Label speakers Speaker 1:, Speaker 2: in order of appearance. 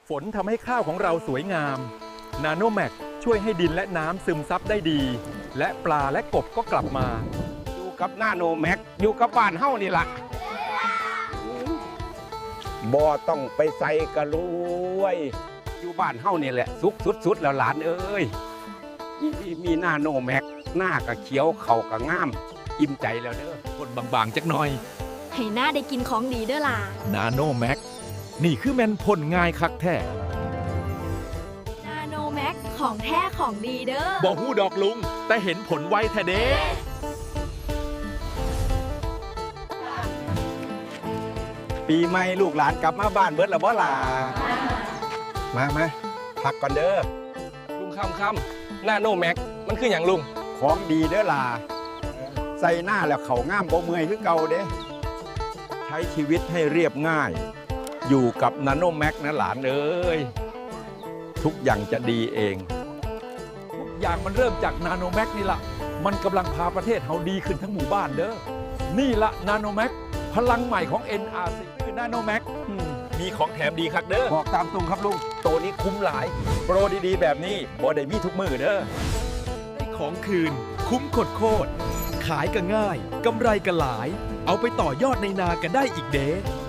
Speaker 1: ฝนทำให้ข้าวของเราสวยงามนาโนแมกช่วยให้ดินและน้ำซึมซับได้ดี และปลาและกบก็กลับมา
Speaker 2: อยู่กับนาโนแม็กอยู่กับบ้านเฮานี่ล่ะบ่ต้องไปใส่กระรวยอยู่บ้านเฮานี่แหละสุขสุดๆแล้วหลานเอ้ยมีนาโนแม็กหน้าก็เขียวเข่าก็งามอิ่มใจแล้วเด้อ
Speaker 1: คนบางๆจักหน่อย
Speaker 3: ให้หน้าได้กินของดีเด้อล่ะ
Speaker 1: นาโนแม็กนี่คือแมนพ่นง่ายคักแท้
Speaker 3: นาโนแม็กของแท้ของดีเด้อ
Speaker 1: บ่ฮู้ดอกลุง แต่เห็นผลไวแท้เด้
Speaker 2: ปีใหม่ลูกหลานกลับมาบ้านเบิดแล้วบ่ล่ะมาพักก่อนเด้อ
Speaker 4: ลุงคำนาโนแม็กมันคืออย่างลุง
Speaker 2: ของดีเด้อล่ะใส่หน้าแล้วเขาง่ามบ่เมื่อยคือเก่าเด้ใช้ชีวิตให้เรียบง่าย อยู่กับนาโนแม็กนะหลานเอ้ยทุกอย่างจะดีเอง
Speaker 1: ทุกอย่างมันเริ่มจากนาโนแม็กนี่ละมันกำลังพาประเทศเฮาดีขึ้นทั้งหมู่บ้านเด้อนี่ละนาโนแม็กพลังใหม่ของ NRC คือนาโนแม็กมีของแถมดีคักเด้อ
Speaker 2: บอกตามตรงครับลุง
Speaker 1: ตัวนี้คุ้มหลาย โปรดีๆ แบบนี้บ่ได้มีทุกมือเด้อ
Speaker 5: ได้ของคืน คุ้มโคตรขายก็ง่ายกำไรก็หลาย เอาไปต่อยอดในนากันได้อีกเด้